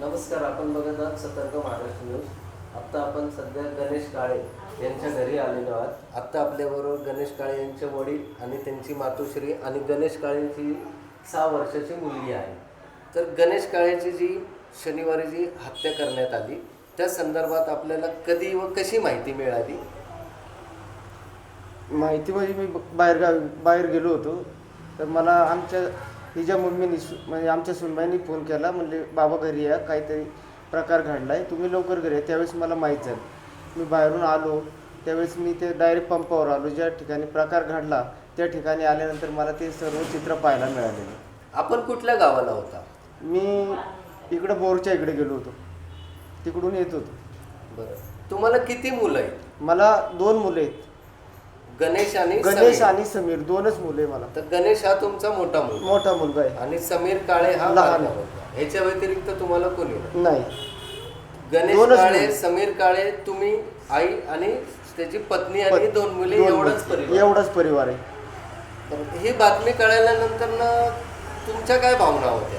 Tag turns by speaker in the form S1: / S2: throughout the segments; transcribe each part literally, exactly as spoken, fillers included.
S1: नमस्कार, आपण बघत आहात सतर्क महाराष्ट्र न्यूज. आत्ता आपण सध्या गणेश काळे यांच्या घरी आलेलो आहात. आत्ता आपल्याबरोबर गणेश काळे यांचे वडील आणि त्यांची मातोश्री आणि गणेश काळेंची सहा वर्षाची मुलगी आहे. तर गणेश काळेची जी शनिवारी जी हत्या करण्यात आली त्या संदर्भात आपल्याला कधी व कशी माहिती मिळाली?
S2: माहिती म्हणजे मी बाहेर गावी बाहेर गेलो होतो, तर मला आमच्या हिच्या मम्मीनी म्हणजे आमच्या सुनबाईंनी फोन केला. म्हणले बाबा घरी या, काहीतरी प्रकार घडला आहे, तुम्ही लवकर घरी या. त्यावेळेस मला माहीत झालं. मी बाहेरून आलो त्यावेळेस मी ते डायरेक्ट पंपावर आलो. ज्या ठिकाणी प्रकार घडला त्या ठिकाणी आल्यानंतर मला ते सर्व चित्र पाहायला मिळालेलं.
S1: आपण कुठल्या गावाला होता?
S2: मी इकडं बोरच्या इकडे गेलो होतो, तिकडून येत होतो.
S1: बरं, तुम्हाला किती मुलं आहेत?
S2: मला दोन मुलं आहेत,
S1: गणेश आणि
S2: गणेश
S1: समीर.
S2: आणि समीर, दोनच मुले आहे मला.
S1: तर गणेश हा तुमचा मोठा मुलगा
S2: मोठा मुलगा आहे
S1: आणि समीर काळे हा
S2: लहान
S1: लहान
S2: आहे.
S1: मुलगा. ह्याच्या व्यतिरिक्त तुम्हाला कोणी नाही?
S2: नाही.
S1: गणेश
S2: दोनच
S1: काळे,
S2: मुलं.
S1: समीर काळे, तुम्ही, आई आणि त्याची पत्नी आणि
S2: पत-
S1: दोन मुले,
S2: दोन
S1: एवढाच
S2: मुलं.
S1: परिवार.
S2: एवढाच परिवार आहे.
S1: तर ही बातमी कळाल्यानंतर ना तुमच्या काय भावना होत्या?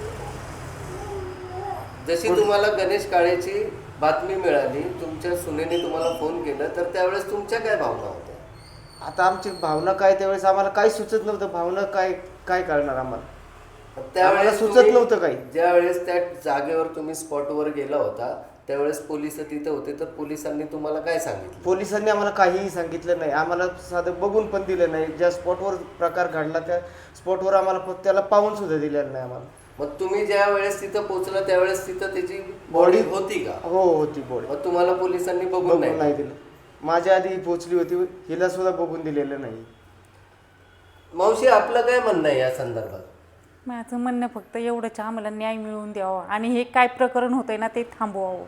S1: जशी
S2: कोण-
S1: तुम्हाला गणेश काळेची बातमी मिळाली, तुमच्या सुनेने तुम्हाला फोन केला, तर त्यावेळेस तुमच्या काय भावना होत्या?
S2: आता आमची भावना काय, त्यावेळेस आम्हाला काही सुचत नव्हतं. भावना काय काय कळणार आम्हाला, आम्हाला
S1: त्यावेळेस
S2: सुचत
S1: तुम्ही-
S2: नव्हतं काही.
S1: ज्या वेळेस त्या जागेवर तुम्ही स्पॉटवर गेला होता त्यावेळेस पोलिस तिथे होते, तर पोलिसांनी तुम्हाला काय सांगितलं?
S2: पोलिसांनी आम्हाला काहीही सांगितलं नाही. आम्हाला साधं बघून पण दिलं नाही. ज्या स्पॉटवर प्रकार घडला त्या स्पॉटवर आम्हाला फ- त्याला पाहून सुद्धा दिलेलं नाही आम्हाला.
S1: मग तुम्ही ज्या वेळेस तिथं पोहोचला त्यावेळेस तिथं त्याची बॉडी होती का?
S2: हो, होती बॉडी.
S1: मग तुम्हाला पोलिसांनी बघून
S2: बघून
S1: नाही?
S2: नाही दिलं. माझ्या आधी पोचली होती, हिला सुद्धा बघून दिलेलं नाही.
S1: मावशी, आपलं काय म्हणणं आहे या संदर्भात?
S3: माझं म्हणणं फक्त एवढंच, आम्हाला न्याय मिळवून द्यावा आणि हे काय प्रकरण होतंय ना ते थांबवावं.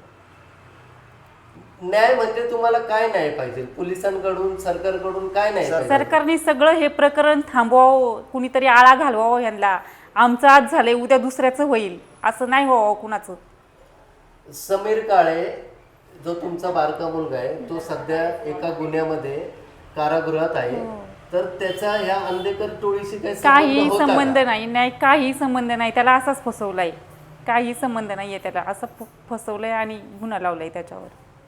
S1: न्याय म्हणजे तुम्हाला काय न्याय पाहिजे? पोलिसांकडून, सरकारकडून काय न्याय पाहिजे?
S3: सरकारने सगळं हे प्रकरण थांबवावं, कुणीतरी आळा घालवावं ह्यांना. आमचं आज झालंय उद्या दुसऱ्याचं होईल, असं नाही व्हावं कुणाचं.
S1: समीर काळे जो तुमचा बारका मुलगा आहे तो सध्या एका गुन्ह्यामध्ये कारागृहात आहे. तर त्याचा ह्या अंधेकर टोळीशी काही
S3: काही
S1: संबंध होता
S3: संबंध
S1: का?
S3: नाही, नाही काही संबंध नाही. त्याला असाच फसवलाय, काही संबंध नाहीये त्याला. असं फ- फसवलंय आणि गुन्हा लावलाय त्याच्यावर.